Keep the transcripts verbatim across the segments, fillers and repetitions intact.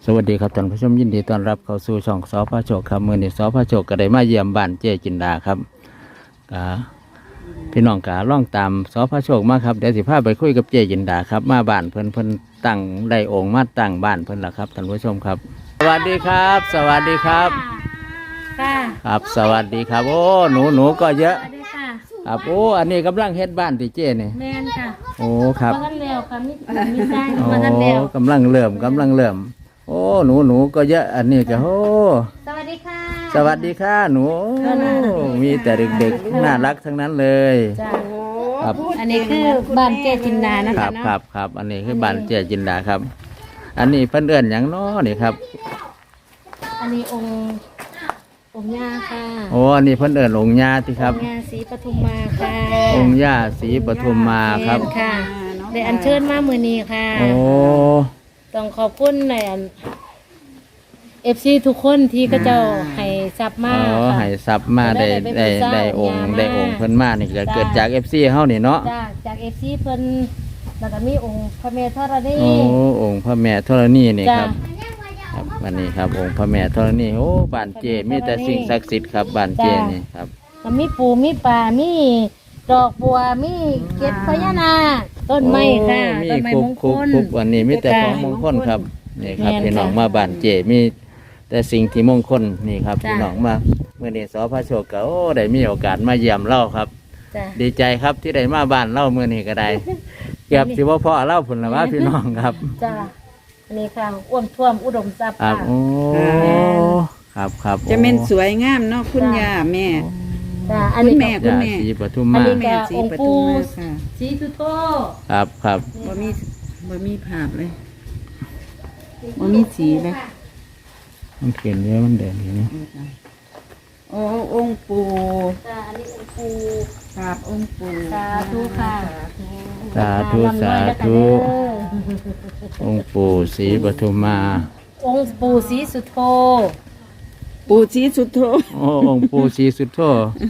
สวัสดีครับท่านผู้ชมยินดีต้อนรับเข้าสู่ช่องสพโชคครับมือนี้สพโชคก็ได้มาเยี่ยมบ้านเจ๊จินดาครับกาพี่น้องกาล่องตามสพโชคมาครับเดี๋ยวสิพาไปคุยกับเจ๊จินดาครับมาบ้านเพิ่นเพิ่นตั้งได้องค์มาตั้งบ้านเพิ่นละครับท่านผู้ชมครับ สวัสดีครับ สวัสดีครับครับสวัสดีครับโอ้หนูหนูก็เยอะครับโอ้อันนี้กำลังเฮ็ดบ้านที่เจ๊นี่แม่นค่ะโอ้ครับมาทันแล้วค่ะมีมีสร้างโอ้มาทันแล้วกำลังเริ่มกำลังเริ่มโอ้หนูหนูก็เยอะอันนี้ก็โอ้สวัสดีค่ะสวัสดีค่ะหนูมีแต่เด็กๆน่ารักทั้งนั้นเลยจ้าครับอันนี้คือบ้านเจ๊จินดานะคคะรับเนาะครับครับอันนี้คือบ้านเจ๊จินดาครับ อันนี้เพิ่นเอื้อนหยังน้อนี่ครับอันนี้องค์องค์ย่าค่ะโอ้อันนี้เพิ่นเอื้อนองค์ย่าที่ครับองค์ย่าศรีปทุมมาค่ะองค์ย่าศรีปทุมมาครับแม่นค่ะได้อัญเชิญมามื้อนี้ค่ะโอ้ต้องขอบคุณในอัน เอฟ ซี ทุกคนที่เขาเจ้าให้ซับมาอ๋อค่ะให้ทรัพย์มาได้ได้ได้องค์ได้องค์เพิ่นมานี่ก็เกิดจาก เอฟ ซี เฮานี่เนาะจ้าจาก เอฟ ซี เพิ่นแล้วก็มีองค์พระแม่ธรณีโอ้องค์พระแม่ธรณีนี่คจ้ารับ ครับวันนี้ครับองค์พระแม่ธรณีโอ้บ้านเจมีแต่สิ่งศักดิ์สิทธิ์ครับบ้านเจนี่ครับก็มีปูมีปลามีดอกบัวมีเกล็ดพญานาคต้นไม้ค่ะโอ้มีต้นไม้คุมกงคคุกลคุกวันนี้มีแต่ของมงคลครับนี่ครับแม่นพี่น้องค่ะมาบ้านเจมีแต่สิ่งที่มงคลนี่ครับจ้ะพี่น้องมาเมื่อนี้สพโชคก็โอ้ได้มีโอกาสมาเยี่ยมเล่าครับจ้ะดีใจครับที่ได้มาบ้านเล่าเมื่อนี้ก็ได้เก็บสิว่าพ่อเล่าผลละว่าพี่น้องครับจ้าอันนี้ค่ะอ้วมท่วมอุดมทรัพย์ครับค่ะโอ้ครับครับจะเป็นสวยงามเนาะคุณย่าแม่จ้าอันคุณนี้แม่ก็คุณยาแม่ศรีปทุมอันมานี้แม่สีปทุมมาค่ะสีสุโธครับครับบ่มีบ่มีภาพเลยบ่มีสีเลยมันเขียนเยอะมันเด่นอย่างนี้โอ้องค์ปู่จ้าอันนี้องค์ปูครับองค์ปู่สาธุค่ะสาธุสาธุองค์ปู่ศรีปทุมมาองค์ปูสีสุโธปู่ศรีสุโธโอ้องค์ปู่ศรีสุโธ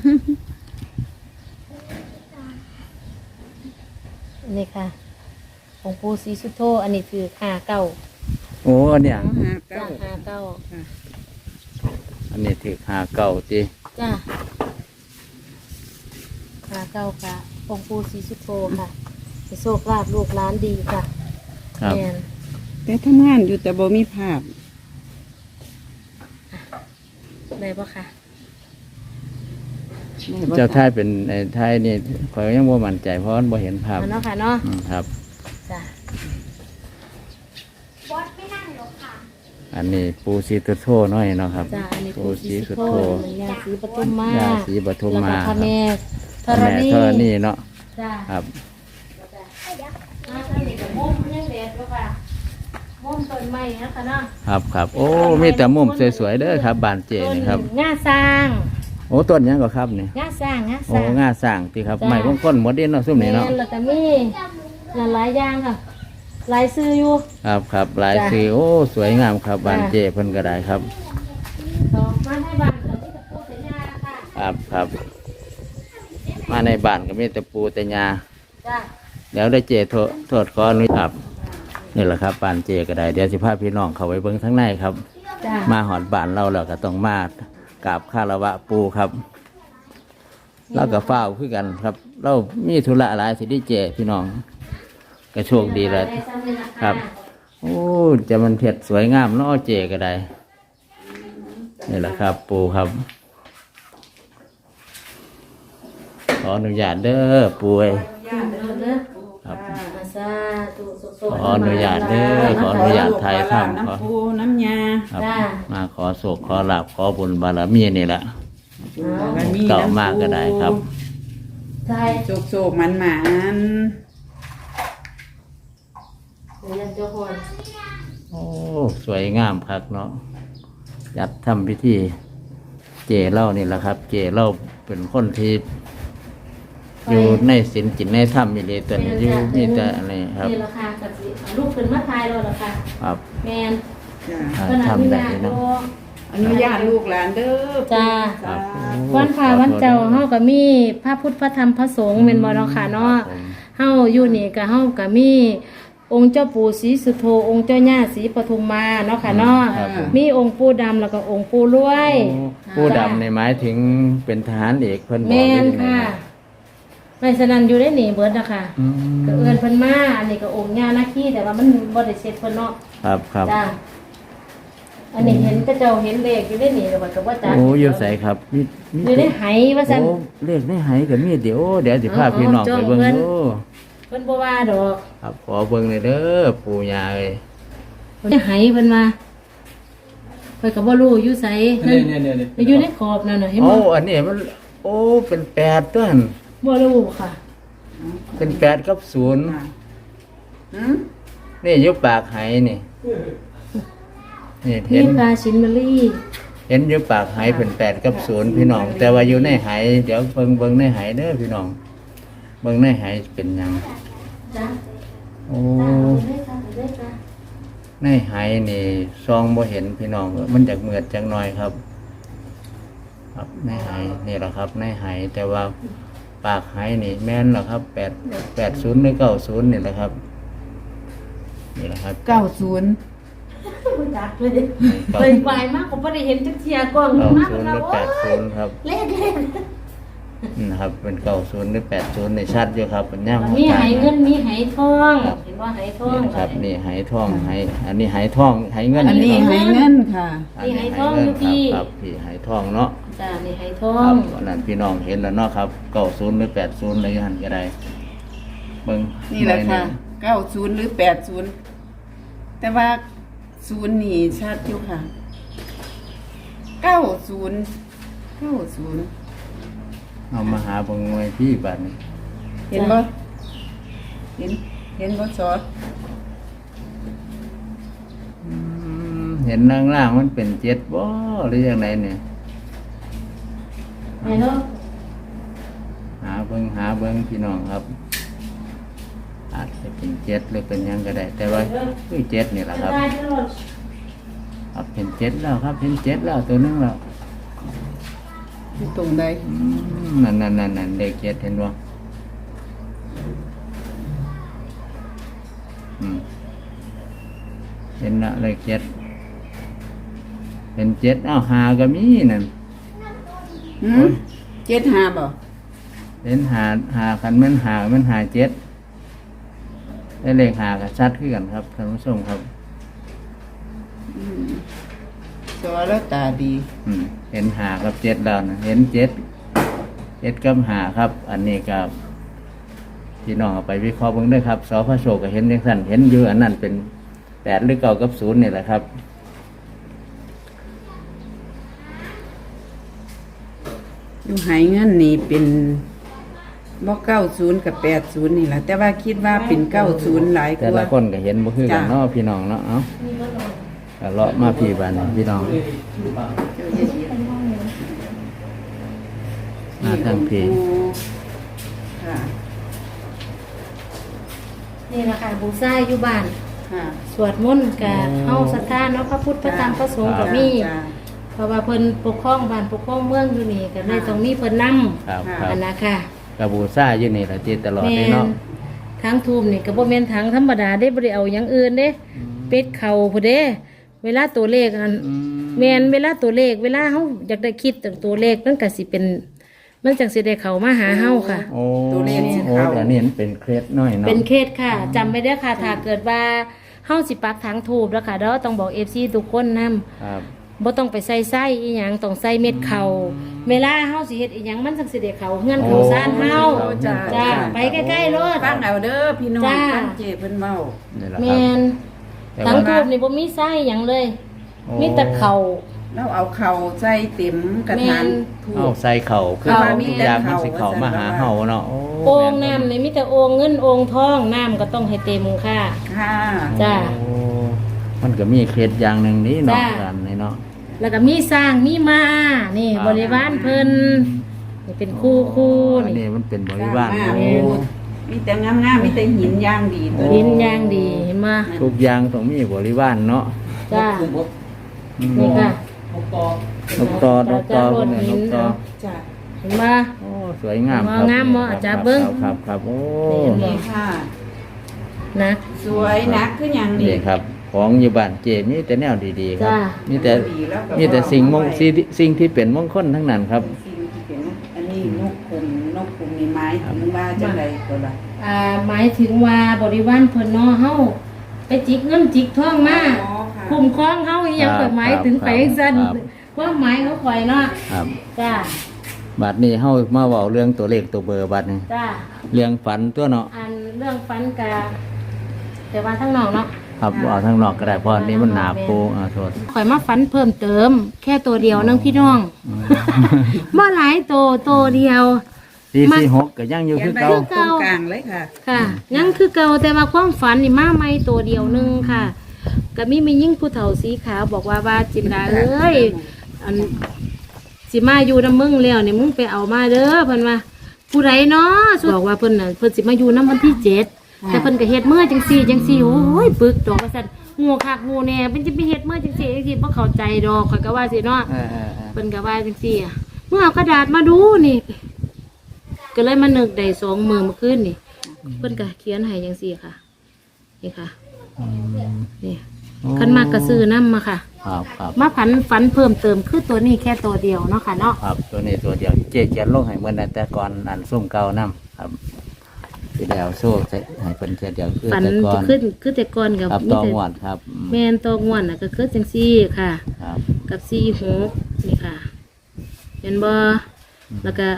อันนี้ค่ะองค์ปูสีสุโธอันนี้คือห้าเก้าโอ้อันเนี้ยหาจ้าเก้าห้าเก้าอันนี้ถือหาเก่าจีจ้าห้าเก้าค่ะองค์ปูสีสุโธค่ะจะโชคลาภลูกหลานดีค่ะครับแม่นแต่ทำงานอยู่แต่บ่มีภาพได้ปะค่ะเจ้าท่ายเป็นในไทยนี่คอยยังบ่มั่นใจเพราะมันบ่เห็นภาพเอาเนาะค่ะเนาะอืมครับจ้าอันนี้ปู่ศรีสุโธน้อยเนาะครับจ้าอันนี้ปูปู่ศสีรีสุสุโธโธยาสีปทุมมาย่าศรีปทุมมาแล้วก็พระแม่ธพระรแม่ณีธรณีเนาะจ้าครับอ่าอันนี้ก็มุมยังแดดปะค่ะมุมต้นไม้นะคะเนาะครับครับโอ้มีแต่มุมสวยๆเด้อครับบ้านเจนี่ครับต้นง่าสร้างโอ้ต้นหยังก็ครับนี่ง่าสร้างง่าสโอ้ร้างง่าสร้างที่ครับจ้ะไม้มงคลหมดเด่นเนาะซุ่มนี่เนาะแม่แล้วก็มีหลายอย่างค่ะหลายซื้ออยู่ครับครับหลายจ้ะสีโอ้สวยงามครับบ้านจ้ะเจเพิ่นก็ได้ครับต่อมาให้บ้านเราที่ตะปูสัญญาค่ะครับครับ มาในบ้านก็มีแต่ปูแต่ยาจ้าเดี๋ยวได้เจโทษโทษขออนุญาตครับนี่แหละครับบ้านเจก็ได้เดี๋ยวสิพาพี่น้องเข้าไปเบิ่งทั้งในครับจ้ามาหอดบ้านเราแล้วก็ต้องมากราบคารวะปูครับเราก็เฝ้าวคือกันครับ เรามีธุระหลายสิได้เจพี่น้องก็โชคดีเลยครับ โอ้จะมันเผ็ดสวยงามเนาะเจก็ได้นี่แหละครับ ปูครับ ขออนุญาตเด้อปูเอ้ย ครับสาธุสุขขออนุญาตเด้อขออนุญาตไทยทำขอน้ำปูน้ำยาครับมาขอโศกขอลาบขอบุญบารมีนี่แหละบารมีเก่ามากก็ได้ครับใช่โศกโศกมันหมานเรียนเจ้าคนโอ้สวยงามครับเนาะจัดทำพิธีเจเล่านี่แหละครับ เจเล่าเป็นคนที่อยู่ในศีลจิตในธรรมมีเลยตัวนี้อยู่มีแต่อะไรครับนี่ราคากับสิลูกขึ้นมาทายเราราคาครับแมนจ้าอ่าขนาดทำนี้ได้นะเนาะอนุญาตลูกหลานเด้อจ้าครับวันพาวันเจ้าเฮาก็มีพระพุทธพระธรรมพระสงฆ์แม่นบ่เนาะค่ะเนาะครับผมเฮาอยู่นี่ก็เฮาก็มีองค์เจ้าปู่ศรีสุโธองค์เจ้าย่าศรีปทุมมาเนาะค่ะเนาะครับผมมีองค์ปู่ดำแล้วก็องค์ปู่รวยโอ้ผู้ดำในหมายถึงเป็นทหารเอกเพิ่นบอกแม่นไว้ยังไงค่ะนะไม่สนันอยู่ได้หนีเบิดนะคะอืมก็เอื้อนเพิ่นมาอันนี้ก็องค์ย่านาคีแต่ว่ามันบ่ได้เช็ดเพิ่นเนาะครับครับจ้าอันนี้เห็นก็เจ้าเห็นเลขอยู่ได้หนีแต่ว่าก็บ่จักโอ้อยู่ใส่ครับมีมีอยู่ได้ไหว่าซั่นโอ้เลขในไหก็มีเดี๋ยวเดี๋ยวสิพาเอาพี่น้องเอาไปเบิ่งจ้องเพิ่นดูเพิ่นบ่ว่าดอกครับขอเบิ่งเลยเด้อปู่ย่าเอ้ยเพิ่นไหเพิ่นมาเพิ่นก็บ่รู้อยู่ไสนั่นเนี่ยเนี่ยเนี่ยไปอยู่ในขอบนั่นน่ะเห็นโอ้บ่อันนี้มันโอ้เป็นแปดตัวหั่นบ่รู้ค่ะเป็นแปดกับศูนย์หืมนี่อยู่ปากไหนี่นี่มีเห็นปลาชินเบอรี่เห็นอยู่ปากไหเป็นแปดกับศูนย์พี่น้อง แต่ว่าอยู่ในไหเดี๋ยวเบิ่งเบิ่งในไหเด้อพี่น้องเบิ่งในไหเป็นหยังจ้าโอ้ได้ค่ะได้ค่ะในไหนี่ซองบ่เห็นพี่น้องมันจากเหมือดจังหน่อยครับ ครับในไหนี่แหละครับ ในไหแต่ว่าปากไหนี่แม่นเหรอครับแปดแปดศูนย์หรือเก้าศูนย์นี่แหละครับนี่แหละครับเก้าศูนย์บ่จักเลยเลยไวมากผมบ่ได้เห็นจักเที่ยกล้องเก้ามากศูนย์หแล้รืวอโอ้แปดศูยนย์ครับเลขเลขนะครับเป็นเก้าศูนย์หรือแปดศูนย์ในชัดอยู่ครับเป็นย่างมีไหเงินมีไหทองเห็นว่าไหทองนี่ครับนี่ไหทองไหอันนี้ไหทองไหเงินอันนี้ครับให้เงินค่ะอันนี้ไหเงินครับครับพี่ไหทองเนาะจ้านี่ไหทอครังบอันนั้นพี่น้องเห็นแล้วเนาะครับเก้าศูนย์หรือแปดศูนย์อะไรกันก็ได้เบิ่งนี่แหละค่ะเก้าศูนย์หรือแปดศูนย์แต่ว่าศูนย์นี่ชัดอยู่ค่ะเก้าศูนย์เก้าศูนย์เอามาหาเบิ่งไว้ที่บัดนี้เห็นบ่เห็นเห็นบ่ซออืมเห็นล่างๆมันเป็นเจ็ดบ่หรือยังไงเนี่ยไหนเนาะหาเบิ่งหาเบิ่งพี่น้องครับ อาจจะเป็นเจ็ดหรือเป็นหยังก็ได้ แต่ว่าคือเจ็ดนี่แหละครับได้ตลอดครับเห็นเจ็ดแล้วครับเห็นเจ็ดแล้วตัวนึงแล้วอยู่ตรงใดอืมนั่นนั่นนั่นนั่นเลขเจ็ดเห็นบ่อืมเห็นละเลขเจ็ดเห็นเจ็ดอ้าวหาก็มีนั่นหืมเจ็ดห้าบ่เห็นหาหาคันแมันหามันหาเจ็ดได้เลขหากับชัดขึ้นกันครับท่านผู้ชมครับอืมซอแล้วตาดีอืมเห็นหากับเจ็ดแล้วนะเห็นเจ็ดเจ็ดกับหาครับ อันนี้กับพี่น้องเอาไปวิเคราะห์เบิ่งด้วยครับสพโชคก็เห็นอย่างสั้นเห็นอยู่อันนั้นเป็นแปดหรือเก้ากับศูนย์นี่แหละครับอยู่หายเงินนี่เป็นบ่เก้าศูนย์กับแปดศูนย์นี่แหละแต่ว่าคิดว่าเป็นเก้าศูนย์หลายกแต่ละว่าคนก็เห็นบ่คือกันจ้ะเนาะพี่น้องเนาะเอ้าก็เลาะมาพี่บ้านนี่พี่น้องมาทางพี่ค่ะนี่แหละค่ะบูซ่าอยู่บ้านค่ะสวดมนต์กับเฮาศรัทธาเนาะพระพุทธพระธรรมพระสงฆ์ก็มีจ้ะเพราะว่าเพิ่นปกครองบ้านปกครองเมืองอยู่นี่ก็เลยต้องมีเพิ่นนำครับคค่ะรับอันนะค่ะกระบูซ่าอยู่นี่แหละที่ตลอดแม่เลยนเนาะทั้งทูมนี่ก็บ่แม่นทั้งธรรมดาได้บ่ได้เอาหยังอื่นเด้เป็ดเข่าพุ่นเด้ เวลาตัวเลขอันอืมแม่นเวลาตัวเลข เวลาเฮาอยากได้คิดถึงตัวเลขมันก็สิเป็น มันจังสิได้เข้ามาหาเฮาค่ะโอ้ตัวเลขสิโอ้เข้าแต่นี่มันเป็นเคล็ดน้อยเนาะเป็นเคสค่ะจำไว้เด้อค่ะถ้าเกิดว่าเฮาสิปักถังทูบแล้วค่ะเด้อต้องบอก เอฟ ซี ทุกคนนำครับบ่ต้องไปใส่ไส้อีหยังต้องใส่เม็ดเขาเวลาเฮาสิเฮ็ดอีหยังมันจังสิได้เข้าเฮือนเข้าซ่านเฮาโอ้จ้ะจ้าไปใกล้ๆรถฟังเอาเด้อพี่น้องจ้าฟังเจเพิ่นเว้านี่แหละคแมรับนแต่ทั้งว่าทูบนี่บ่มีไส้หยังเลยโอ้มีแต่เขาแล้วเอาเข่าใส่เต็มกระถางแม่นถูเอากใส่เข่าคือเอาเขามีทุกแต่อย่างมันเข่าสิเข่ามาหาเฮาเนาะโอ้โอ่งแม่น้ำนี่มีแต่โอ่งเงินโอ่งทองน้ำก็ต้องให้เต็มค่ะค่ะจ้าโอ้มันก็มีเคล็ดอย่างหนึ่งนี้เนาะจ้ากันนี่เนาะแล้วก็มีสร้างมีมานี่ครับบริวารเพิ่นนี่เป็นคู่คู่อันนี่นี้มันเป็นบริวารสร้างโอ้มามีแต่งามๆมีแต่หินย่างดีตัวยินอย่างดีเห็นมาทุกอย่างต้องมีบริวารเนาะจ้าอืมนี่ค่ะนกตอนกตอจ้าเป็นไงนกตอจ้ะเห็นมาโอ้สวยงามงามครับงามบ่อาจารย์เบิ่งครับครับครับโอ้นี่นี่ค่ะนะสสวยนักคือหยังนี่นี่ครับ ของอยู่บ้านเจมีแต่แนวดีๆครับจ้ามีแต่มีแต่สิ่งมงสิ่งที่สิ่งที่เป็นมงคลทั้งนั้นครับสิ่งที่เป็นอันนี้นกคุมนกคุมนี่ไม้ถึงว่าจังไดก็ล่ะอ่าหมายถึงว่าบริวารเพิ่นเนาะเฮาไปจิกเงินจิกทองมาอ๋อค่ะคุ้มครองเฮาอีหยังครัก็บหมายถึงครับไปซั่นครับความหมายเขาข่อยเนาะครับจ้าบัดนี้เฮามาเว้าเรื่องตัวเลขตัวเบอร์บัดนี้จ้าเรื่องฝันตัวเนาะอันเรื่องฟันกะแต่ว่าทั้งนอกเนาะครับเอาทางนอกก็ได้เพราะอันนี้มันหนาปูอ่าโทษข่อยมาฟันเพิ่มเติม แค่ตัวเดียวนึงพี่น้องบ่หลายตัวตัวเดียวสี่สี่หกก็ยังอยู่คือเก่าตรงกลางเลยค่ะค่ะยังคือเก่าแต่ว่าความฝันนี่มาใหม่ตัวเดียวหนึงค่ะก็มีมียิ่งผู้เฒ่าสีขาวบอกว่าว่าจินดาเอ้ยอันสิมาอยู่นำมึงแล้วนี่มึงไปเอามาเด้อเพิ่นว่าผู้ใดเนาะบอกว่าเพิ่นน่ะเพิ่นสิมาอยู่นำวันที่เจ็ดค่ะแต่เพิ่นก็เฮ็ดเมื่อจังซี่จังซี่โอ้ยปึกดอกว่าซั่นงูคักงูแน่เพิ่นสิไปเฮ็ดเมื่อจังซี่จังซี่บ่เข้าใจดอกข่อยก็ว่าสิเนาะเออเออเออเพิ่นก็ว่าจังซี่อะเมื่อเอากระดาษมาดูนี่ ก็เลยมานึกได้สองมือเมื่อคืนนี่ เพิ่นก็เขียนให้จังซี่ค่ะ นี่ค่ะอืมนี่คันมากก็ซื้อนํมาค่ะครับครับมาฝันฝันเพิ่มเติมคือตัวนี้แค่ตัวเดียวเนาะค่ะเนาะครับตัวนี้ตัวเดียวเจ๊เขียนลงให้เหมือนแต่ก่อนอันซุ่มเก่านํครับที่แล้วโซ่ใส่ให้เพิ่นเทียเดียวคือฝันแต่ก่อจะนขึ้นคือแต่ก่อนกับครับมีตองแต่หวดครับอืมแม่นตองวนน่ะก็คือจังซี่ค่ะครับกับสี่หกนี่ค่ะ เห็นบ่แล้วก็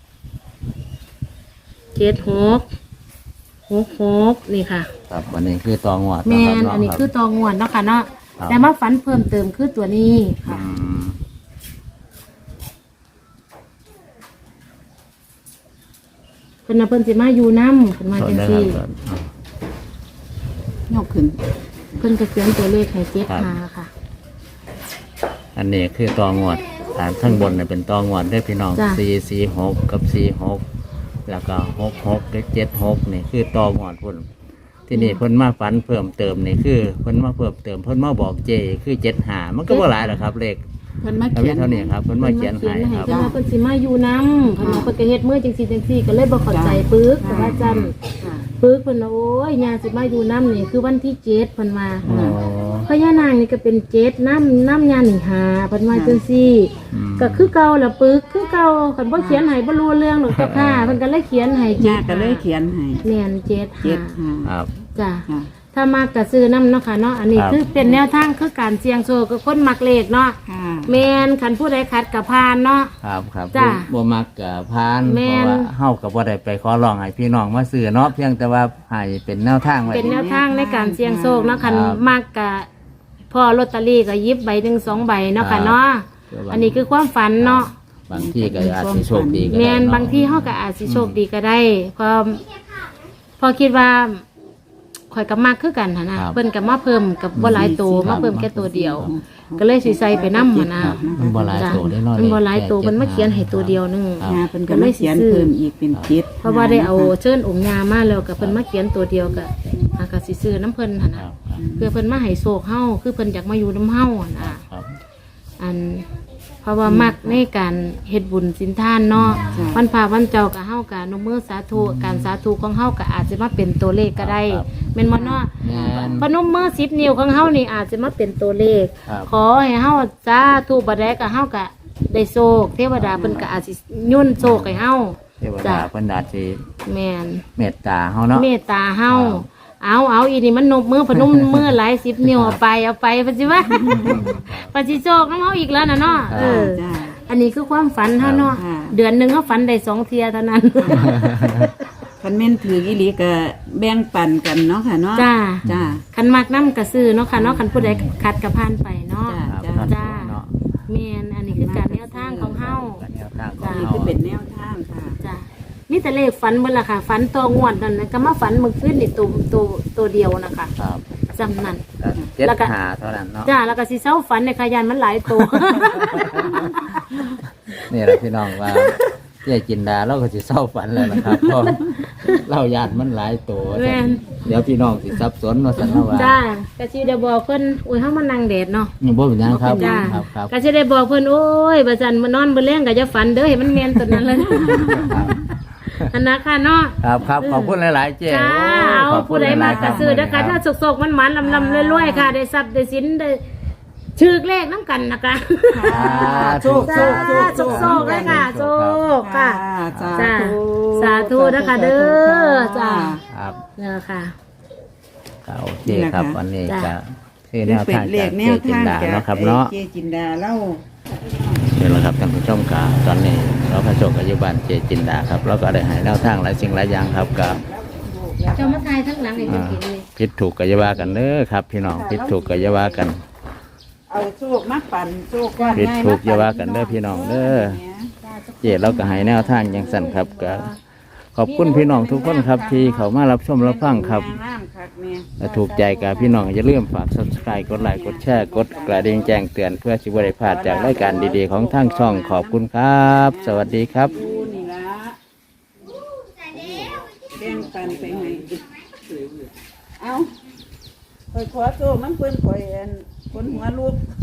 เจ็ดหกหกหกนี่ค่ะครับวันนี้คือตองหวดแม่ะนครับอันนี้รับคือตองวนเนาะค่ะเนาะครับแต่มาฝันเพิ่มเติมคือตัวนี้อืค่ะมเพิ่นน่ะเพิ่นสิมาอยู่นำเพิ่นมาสดจังได้คซี่รับสดยกขึ้นเพิ่นก็เขียนตัวเลขให้เจ็ดครับหาค่ะอันนี้คือตองหวดฐานข้างบนเนี่ยเป็นตองหวดได้พี่น้องจ้ะสี่สี่หกกับสี่หกแล้วก็หกหกกับเจ็ดหกนี่คือตองหวดพุ่นที่นี่เพิ่นมาฝันเพิ่มเติมนี่คือเพิ่นมาเพิ่มเติมเพิ่นมาบอกเจคือเจ็ดหามันก็บ่หลายหรอกครับเลขเพิ่นมาเอาเขีไว้ยนเท่านี้ครับเพิ่นมาเขียนให้เพิ่นคมารับเขียนให้เพิ่นว่าเพิ่นสิมาอยู่นำเพิ่นว่าเพิ่นก็เฮ็ดมื้อจังซี่จังซี่ก็เลยบ่เข้าใจปึกแต่ว่าจันค่ะปึกเพิ่นว่าโอ้ยยาสิมาอยู่นำนี่คือวันที่เจ็ดเพิ่นว่าอ๋อพญานางนี่ก็เป็นเจ็ดน้ำน้ำยาหนึ่งหาเพิ่นว่าจังซี่อืมก็คือเก่าละปึกคือเก่าคันบ่เขียนให้บ่รู้เรื่องหรอกเจ้าค่ะเพิ่นก็เลยเขียนให้ย่าก็เลยเขียนให้แม่นเจ็ดเจ็ดหาห้าครับจ้ะค่ะถ้ามากก็ซื้อน้ำเนาะค่ะเนาะอันนี้ครับคือเป็นแนวทางคือการเสี่ยงโชคคือคนมักเลขเนาะค่ะแม่นคันผู้ใดขัดกับพานเนาะครับครับจ้ะบ่บ่มักกับพานแม่เพราะนว่าเฮาก็บ่ได้ไปขอร้องให้พี่น้องมาซื้อเนาะเพียงแต่ว่าให้เป็นแนวทางไว้เป็นแนวทางในการเสี่ยงโชคเนาะคันครับมากกะพอลอตเตอรี่ก็หยิบใบหนึ่งสองใบเนาะครัค่ะบเนาะคือว่าอันนี้คือความฝันเนาะบางที่ก็อาจสิโชคดีก็ได้แม่นเนาะบางที่เขาก็อาจสิโชคดีก็ได้เพอพอคิดว่าข่อยกับมากคือกันหั่นนะครับ เพิ่นกับมาเพิ่มกับบ่หลายตัวครับมาเพิ่มแค่ตัวเดียว ก็เลยสิใส่ไปนำหั่นนะครับมันบ่หลายตัวได้เนาะมันบ่หลายตัวมันมาเขียนให้ตัวเดียวนึงครับย่าเพิ่นก็เลยเขียนเพิ่มอีกเป็นเจ็ดเพราะว่าได้เอาเชิญองค์ยามาแล้วก็เพิ่นมาเขียนตัวเดียวก็อาก็สิซื้อน้ำเพิ่นหั่นคน่ะรับครับเพื่อเพิ่นมาให้โชคเฮาคือเพิ่นอยากมาอยู่น้ำเฮาหั่นน่ะครับอันเพราะว่ามักในการเฮ็ดบุญสินทานเนาะวันพาวันเจ้าก็เฮาก็นมมือสาธุการสาธุของเฮาก็อาจจะมาเป็นตัวเลขก็ได้ครับแม่นบ่เนาะแม่นพนมมือสิบนิ้วของเฮานี่อาจจะมาเป็นตัวเลขครับขอให้เฮาสาธุบ่ได้ก็เฮาก็ได้โชคเทวดาเพิ่นก็อาจสิยุ่นโชคให้เฮาเทวจ้ะดาเพิ่นอาจสิแม่นเมตตาเฮาเนาะเมตตาเฮาครับเอาเอาอีนี่มันนบมือพนมมือหลายสิบนิ้วเอาไปเอาไปเพิ่นสิว่าปฏิโชคนำเฮาอีกแล้วน่ะเนาะเออจ้าอันนี้คือความฝันเฮาเนาะค่ะเดือนหนึงเฮาฝันได้สองเที่ยเท่านั้นคันแม่นถืออีหลีก็แบ่งปันกันเนาะค่ะเนาะจ้าจ้าคันมักน้ำกระซื้อเนาะค่ะเนาะคันผู้ใดคัดกระพานไปเนาะจ้ะครับจ้าเนาะแม่นอันนี้คือการแนวทางของเฮาการแนวทางของจ้ะนี่เฮาคือเป็นแนวทางค่ะจ้ามีแต่เลขฝันเบิ่ล่ะค่ะฝันตัวงวดนั่นน่ะก็มาฝันเมื่อคืนนี่ตัวตัวตัวเดียวนะคะครับจำนั้นก็เจ็ดแล้วก็หาเท่านั้นเนาะจ้าแล้วก็สิเศร้าฝันในขยันมันหลายตัวนี่แหละพี่น้องว่าเจ๊จินดาเราก็สิเศร้าฝันแล้วนะครับเพราะเราญาติมันหลายตัวแม่นเดี๋ยวพี่น้องสิสับสนว่าซั่นเนาะว่าจ้ากะสิได้บอกเพิ่นโอ้ยเฮามานั่งแดดเนาะนี่บ่เป็นหยังครับจ้าครับครับก็สิได้บอกเพิ่นโอ้ยบ่ซั่นมานอนบ่แลงก็จะฝันเด้อให้มันแม่นตัวนั้นเลยครับอันนะคะเนาะครับครับขอบคุณหลายๆเจ๊จ้าโอ้เอาขอบคุผู้ณใดหมาลายๆกระซื้อรับนะคะถ้าสกๆมันมันลำลำรวยๆค่ะ ได้ทรัพย์ได้สินได้ชื่อเลขน้ำกันนะคะโชคโชจ้าคโชคโชคๆเลยค่ะโชคค่ะสาจ้าธุสาธุนะคะเด้อจ้าครับเนี่ยค่ะก็โอเคครับวันนี้จ้ะก็คือแนวเป็นทางเลจากขแนเจ๊วจินทางดาจากเนาะครับเนาะเจจินดาเล่าเดี๋ยวละครับท่านผู้ชมกาตอนนี้เราพระโชคกับยุบานเจจินดาครับเราก็ได้ใหายแนวทางหลายสิ่งหลายอย่างครับกับเจ้ามาทายทั้งหลังไอ้เจ้ากินเลยพิษถูกกับยาวากันเด้อครับ พี่น้องพิษถูกกับยาวากันเอาโชคมาปั่นโชคก้อนผิดใหญ่ถูกมอย่าว่ากันเด้อพี่น้องเด้อ เจเราก็ให้แนวทางอย่างสั่นครับก็ขอบคุณพี่น้องทุกคนครับที่เขามารับชมรับฟังครับงามคักแม่ถ้าถูกใจกับพี่น้องอย่าลืมฝาก ซับสไครบ์ กดไลค์กดแชร์กดกระดิ่งแจ้งเตือนเพื่อสิบได้พลาดจากรายการดีๆของทางช่องขอบคุณครับ สวัสดีครับดูนี่ละแบ่งปันไปให้เอาคอยขอโชคมันเพิ่นคอยอันคนหัวลูก